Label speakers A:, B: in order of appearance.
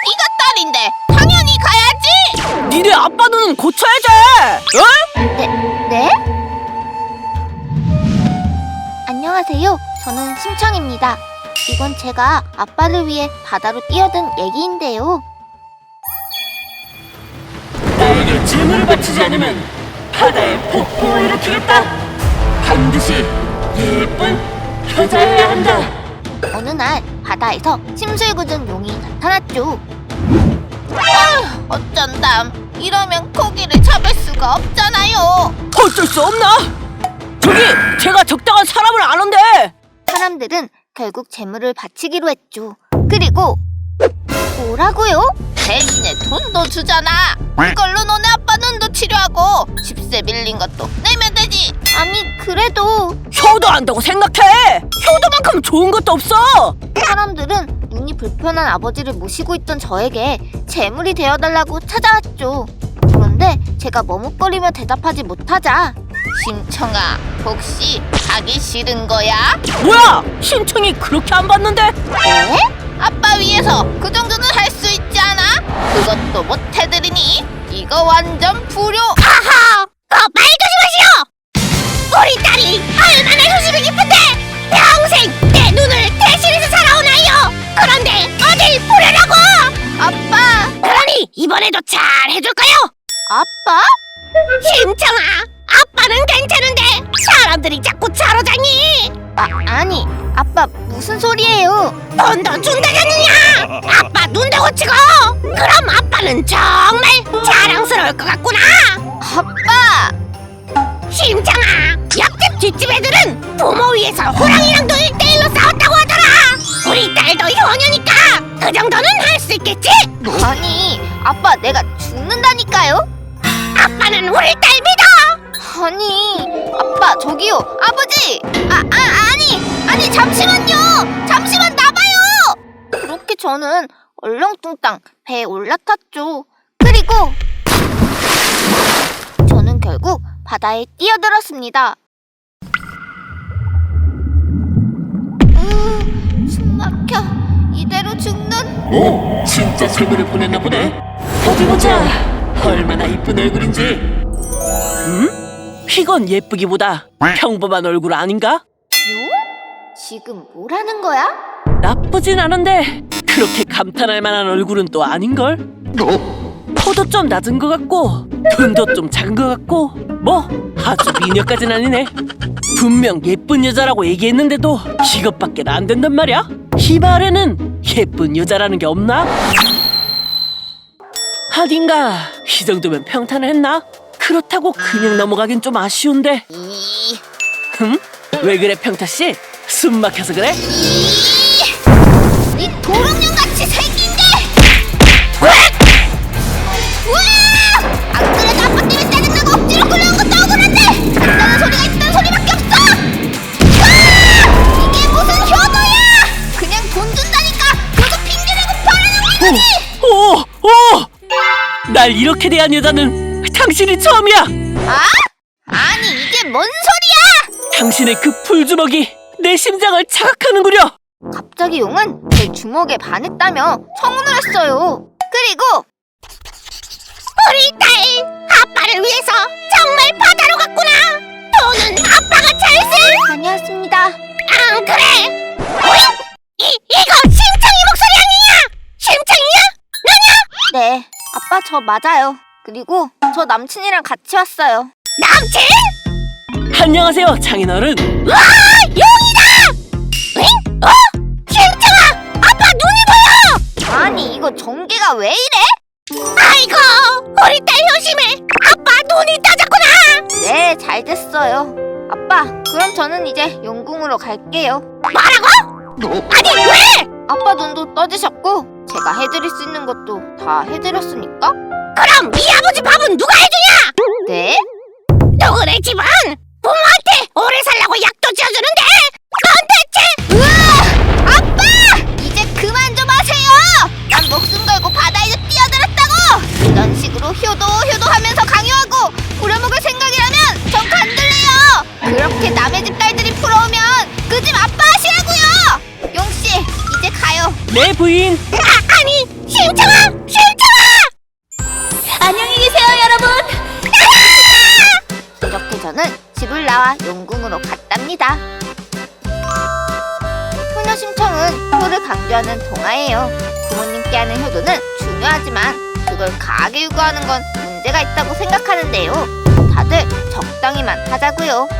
A: 네가 딸인데 당연히 가야지.
B: 니네 아빠 눈은 고쳐야지. 어?
A: 네? 안녕하세요. 저는 심청입니다. 이건 제가 아빠를 위해 바다로 뛰어든 얘기인데요.
B: 나에게 짐을 바치지 않으면 바다에 폭풍을 일으키겠다. 반드시 예쁜 여자여야 한다.
A: 어느 날 바다에서 심술궂은 용이 나타났죠. 어쩐담. 이러면 고기를 잡을 수가 없잖아요.
B: 어쩔 수 없나? 저기 제가 적당한 사람을 아는데.
A: 사람들은 결국 재물을 바치기로 했죠. 그리고 뭐라고요? 대신에 돈도 주잖아. 그걸로 너네 아빠 눈도 치료하고 집세 빌린 것도 내면 되지. 아니 그래도
B: 효도한다고 생각해. 효도만큼 좋은 것도 없어.
A: 사람들은 눈이 불편한 아버지를 모시고 있던 저에게 재물이 되어달라고 찾아왔죠. 그런데 제가 머뭇거리며 대답하지 못하자 심청아, 혹시 가기 싫은 거야?
B: 뭐야? 심청이 그렇게 안 받는데?
A: 네? 아빠 위해서 그 정도는 할 수 있지 않아? 그것도 못 해드리니 이거 완전 불효. 하하! 말 조심하시오! 우리 딸이 얼마나 효심이 깊은데 평생 내 눈을 대신해서 살아오나요? 그런데 어딜 불효라고! 아빠!
C: 그러니 이번에도 잘 해줄까요?
A: 아빠?
C: 심청아, 아빠는 괜찮은데 사람들이 자꾸 차로다니.
A: 아니 아빠 무슨 소리예요?
C: 돈도 준다잖느냐. 아빠 눈도 고치고. 그럼 아빠는 정말 자랑스러울 것 같구나.
A: 아빠!
C: 심청아, 옆집 뒷집 애들은 부모 위해서 호랑이랑도 1대1로 싸웠다고 하더라. 우리 딸도 효녀니까 그 정도는 할 수 있겠지?
A: 아니 아빠 내가 죽는다니까요?
C: 아빠는 우리 딸 믿어.
A: 아니 아빠 저기요 아버지 아니 잠시만요 잠시만 나봐요. 그렇게 저는 얼렁뚱땅 배에 올라탔죠. 그리고 저는 결국 바다에 뛰어들었습니다. 숨 막혀. 이대로 죽는.
B: 오, 진짜 재물을 보냈나 보네. 어디 보자. 얼마나 이쁜 얼굴인지. 이건 예쁘기보다 평범한 얼굴 아닌가?
A: 요? 지금 뭐라는 거야?
B: 나쁘진 않은데 그렇게 감탄할 만한 얼굴은 또 아닌걸? 코도 좀 낮은 것 같고 눈도 좀 작은 것 같고 뭐 아주 미녀까진 아니네. 분명 예쁜 여자라고 얘기했는데도 이것밖에 안 된단 말이야? 이 말에는 예쁜 여자라는 게 없나? 하긴가 이 정도면 평탄을 했나? 그렇다고 그냥 넘어가긴 좀 아쉬운데. 왜 그래 평타씨? 숨 막혀서 그래?
A: 이 도롱뇽같이 생긴 게! 우와! 안 그래도 아빠 때문에 짜증나고 억지로 끌려온 것도 억울한데! 간다는 소리가 있다는 소리밖에 없어! 이게 무슨 효도야! 그냥 돈 준다니까 그거 핑계대고 바라는 거지!
B: 날 이렇게 대한 여자는 당신이 처음이야!
A: 아니 이게 뭔 소리야!
B: 당신의 그 풀주먹이 내 심장을 자극하는구려!
A: 갑자기 용은 제 주먹에 반했다며 청혼을 했어요. 그리고
C: 우리 딸 아빠를 위해서 정말 바다로 갔구나. 돈은 아빠가 잘 쓸.
A: 다녀왔습니다.
C: 안 그래? 이거 심청이 목소리 아니야? 심청이야? 너냐?
A: 네, 아빠 저 맞아요. 그리고 저 남친이랑 같이 왔어요.
C: 남친?
B: 안녕하세요 장인어른.
C: 와, 용이다! 응? 심청아, 아빠 눈이 보여!
A: 아니 이거 전개가 왜 이래?
C: 아이고, 우리 딸 효심해. 아빠 눈이 떠졌구나.
A: 네, 잘 됐어요. 아빠, 그럼 저는 이제 용궁으로 갈게요.
C: 뭐라고? 아니 왜?
A: 아빠 눈도 떠지셨고 제가 해드릴 수 있는 것도 다 해드렸으니까.
C: 그럼 이 아버지 밥은 누가 해주냐?
A: 네?
C: 너네 집은 부모한테 오래 살라고 약도 지어주는데 넌 대체?
A: 우와! 아빠! 이제 그만 좀 하세요! 난 목숨 걸고 바다에 뛰어들었다고! 이런 식으로 효도하면서 강요하고 부려먹을 생각이라면 전 간들래요! 그렇게 남의 집 딸들이 부러우면 그 집 아빠 하시라고요! 용씨, 이제 가요.
B: 네 부인.
C: 아니 심청아,
A: 심청으로 갔답니다. 효녀 심청은 효를 강조하는 동화예요. 부모님께 하는 효도는 중요하지만 그걸 강하게 요구하는 건 문제가 있다고 생각하는데요. 다들 적당히만 하자고요.